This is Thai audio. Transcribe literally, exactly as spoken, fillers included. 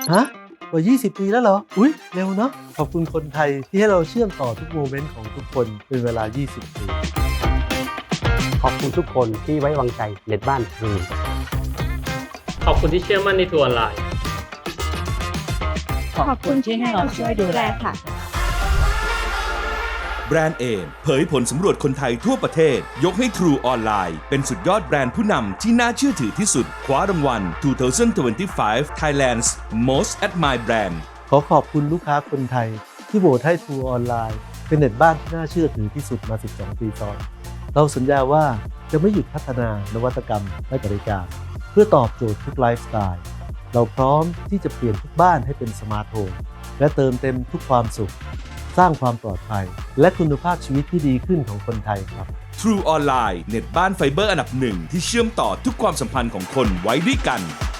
ฮะกว่า ยี่สิบ ปีแล้วเหรอ อุ๊ย เร็วเนาะ ขอบคุณคนไทยที่ให้เราเชื่อมต่อทุกโมเมนต์ของทุกคนเป็นเวลา ยี่สิบ ปีขอบคุณทุกคนที่ไว้วางใจเน็ตบ้านทรูขอบคุณที่เชื่อมั่นในทัวร์ออนไลน์ขอบคุณที่ให้เราช่วยดูแลค่ะแบรนด์เอมเผยผลสำรวจคนไทยทั่วประเทศยกให้ True ออนไลน์เป็นสุดยอดแบรนด์ผู้นำที่น่าเชื่อถือที่สุดคว้ารางวัล สองพันยี่สิบห้า Thailand's Most Admired Brand ขอขอบคุณลูกค้าคนไทยที่โหวตให้ True ออนไลน์เป็นเน็ตบ้านที่น่าเชื่อถือที่สุดมา สิบสอง ปีซ้อนเราสัญญาว่าจะไม่หยุดพัฒนานวัตกรรมและบริการเพื่อตอบโจทย์ทุกไลฟ์สไตล์เราพร้อมที่จะเปลี่ยนทุกบ้านให้เป็นสมาร์ทโฮมและเติมเต็มทุกความสุขสร้างความปลอดภัยและคุณภาพชีวิตที่ดีขึ้นของคนไทยครับ True ออนไลน์เน็ตบ้านไฟเบอร์อันดับหนึ่งที่เชื่อมต่อทุกความสัมพันธ์ของคนไว้ด้วยกัน